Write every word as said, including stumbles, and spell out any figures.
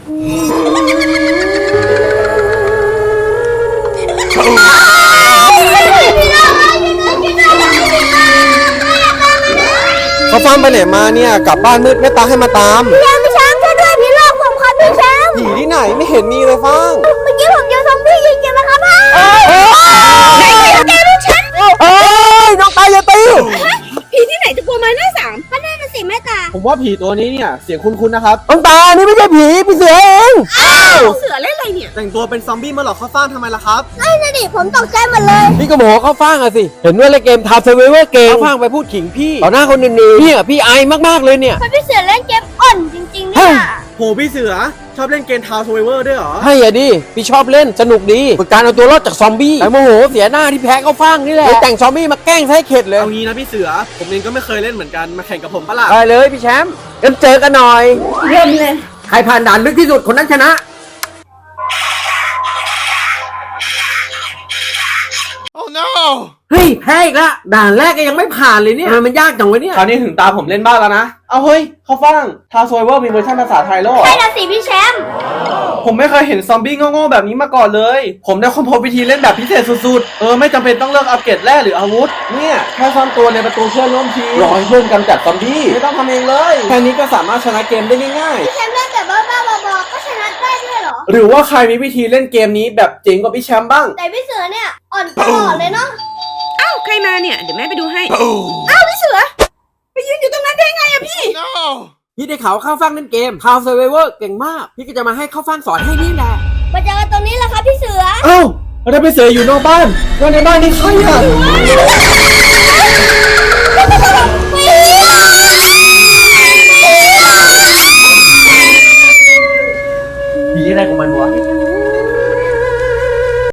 เขาฟังไปไหนมาเนี่ยกลับบ้านมืดแม่ตาให้มาตามพี่แชมป์พี่แชมป์ช่วยด้วยผีหลอกผมครับพี่แชมป์ผีที่ไหนไม่เห็นมีเลยฟังเมื่อกี้ผมเจอซอมบี้ยิงกันนะครับพ่อเอ้ยแกลูกฉันเอ้ยน้องตาอย่าตีผีที่ไหนจะกลัวไม้หน้าสามก็น่าจะสิแม่ตาผมว่าผีตัวนี้เนี่ยเสียงคุ้นๆนะครับน้องตานี่ไม่ใช่ผีพี่เสือเองอ้าวเสือเล่นอะไรเนี่ยแต่งตัวเป็นซอมบี้มาหลอกเข้าฟ้างทำไมล่ะครับไอ้นั่นดิผมตกใจหมดเลยพี่ก็โมโหเข้าฟ้างอะสิเห็นว่าเล่นเกมทาร์เซเวอร์เกมเข้าฟ้างไปพูดขิงพี่ต่อหน้าคนอื่นๆเนี่ยพี่ไอมากๆเลยเนี่ยพี่เสือเล่นเกมอ่อนจริงๆเนี่ยโหพี่เสือชอบเล่นเกมทาวน์เซเวอร์ด้วยเหรอใช่อะดิพี่ชอบเล่นสนุกดีฝึกการเอาตัวรอดจากซอมบี้แต่โมโหเสียหน้าที่แพ้เข้าฟ้างนี่แหละเลยแต่งซอมบี้มาแกล้งให้เข็ดเลยเอางี้นะพี่เสือผมเองก็ไม่เคยเล่นเหมือนกันมาแข่งกับผมปะล่ะได้เลยพี่แชมป์กันเจอกันหน่อยเริ่มเลยใครผ่านด่านลึกที่สุดคนนั้นชนะโอ้ no เฮ้ยแพ้อีกละด่านแรกก็ยังไม่ผ่านเลยเนี่ยมันยากจังวะเนี่ยคราวนี้ถึงตาผมเล่นบ้างแล้วนะเอาเฮ้ยเข้าฟังทาวน์เซเวอร์มีเวอร์ชันภาษาไทยโลกใช่ละสิพี่แชมป์ผมไม่เคยเห็นซอมบี้โง่ๆแบบนี้มาก่อนเลยผมได้ค้นพบวิธีเล่นแบบพิเศษสุดๆเออไม่จำเป็นต้องเลือกอัปเกรดแร่หรืออาวุธเนี่ยแค่ซ่อนตัวในประตูเพื่อนร่วมทีมรอให้เพื่อนกำจัดซอมบี้ไม่ต้องทำเองเลยแค่นี้ก็สามารถชนะเกมได้ง่ายๆพี่แชมป์เล่นแต่บ้าๆบอๆก็ชนะได้ด้วยเหรอหรือว่าใครมีวิธีเล่นเกมนี้แบบเจ๋งกว่าพี่แชมป์บ้างแต่พี่เสือเนี่ยอ่อนตลอดเลยเนาะอ้าวใครมาเนี่ยเดี๋ยวแม่ไปดูให้อ้าวพี่เสือไปยืนอยู่ตรงนั้นได้ไงอะพี่พี่ได้ข่าวเข้าฟังเล่นเกมข่าวเซเวอร์เก่งมากพี่ก็จะมาให้เข้าฟังสอนให้นี่แหละมาเจอกันตรงนี้แหละครับพี่เสือเอ้าแล้วพี่เสืออยู่นอกบ้านแล้วในบ้านนี่ใครอะผีอะไรของมันวะ